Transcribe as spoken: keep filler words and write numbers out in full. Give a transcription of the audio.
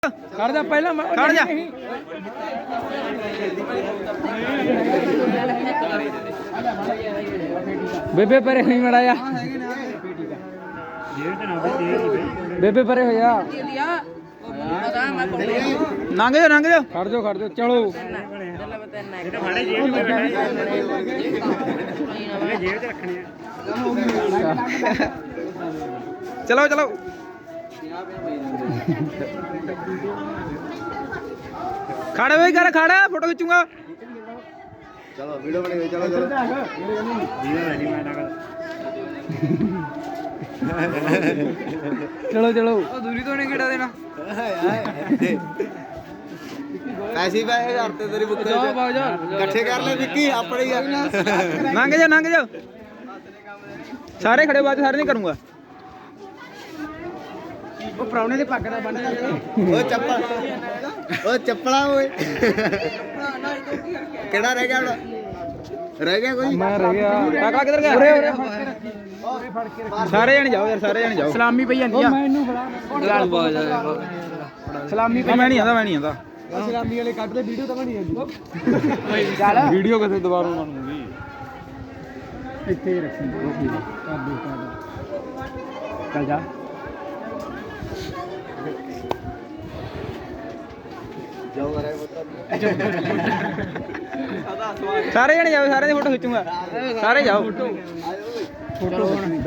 ਖੜ ਜਾ ਪਹਿਲਾਂ ਖੜ ਜਾ ਬੇਬੇ ਪਰੇ ਨਹੀਂ ਮੜਾਇਆ ਬੇਬੇ ਪਰੇ ਹੋ ਜਾ ਲੰਘ ਜਾ ਲੰਘ ਜਾ ਖੜ ਜਾ ਖੜ ਜਾ ਚਲੋ ਚਲੋ ਚਲੋ ਖੜਾ ਹੋਈ ਕਰ ਖੜਾ ਫੋਟੋ ਖਿੱਚੂਗਾ ਚਲੋ ਵੀਡੀਓ ਬਣੀ ਚਲੋ ਚਲੋ ਚਲੋ ਚਲੋ ਉਹ ਦੂਰੀ ਤੋਂ ਨਹੀਂ ਕਿਹੜਾ ਦੇਣਾ ਪੈਸੇ ਪੈ ਕਰਤੇ ਤੇਰੀ ਬੁੱਕ ਇਕੱਠੇ ਕਰ ਲੈ ਵਿੱਕੀ ਆਪਣੇ ਹੀ ਲੰਘ ਜਾ ਲੰਘ ਜਾ ਸਾਰੇ ਖੜੇ ਬਾਅਦ ਸਾਰੇ ਨਹੀਂ ਕਰੂੰਗਾ ਉਹ ਪ੍ਰਾਹੁਣੇ ਦੇ ਪੱਗ ਦਾ ਬੰਨ ਉਹ ਚੱਪਲ ਉਹ ਚੱਪਲਾਂ ਓਏ ਕਿਹੜਾ ਰਹਿ ਗਿਆ ਹੁਣ ਰਹਿ ਗਿਆ ਕੋਈ ਮੈਂ ਰਹਿ ਗਿਆ ਕਾਕਾ ਕਿੱਧਰ ਗਿਆ ਉਰੇ ਉਰੇ ਸਾਰੇ ਜਣੇ ਜਾਓ ਯਾਰ ਸਾਰੇ ਜਣੇ ਜਾਓ ਸਲਾਮੀ ਪਈ ਜਾਂਦੀ ਆ ਮੈਨੂੰ ਫੜਾ ਸਲਾਮੀ ਮੈਂ ਨਹੀਂ ਆਂਦਾ ਮੈਂ ਨਹੀਂ ਆਂਦਾ ਸਲਾਮੀ ਵਾਲੇ ਕੱਢ ਲੈ ਵੀਡੀਓ ਤਾਂ ਬਣੀ ਜਾਂਦੀ ਚੱਲ ਵੀਡੀਓ ਕਿਤੇ ਦੁਬਾਰਾ ਬਣੂਗੀ ਇੱਥੇ ਹੀ ਰੱਖੀ ਉਹ ਕੀ ਕਰ ਦੇ ਚੱਲ ਜਾ ਜਾਓ ਕਰੇ ਸਾਰੇ ਜਣੇ ਜਾਓ ਸਾਰਿਆਂ ਦੀ ਫੋਟੋ ਖਿੱਚੂਗਾ ਸਾਰੇ ਜਾਓ ਫੋਟੋ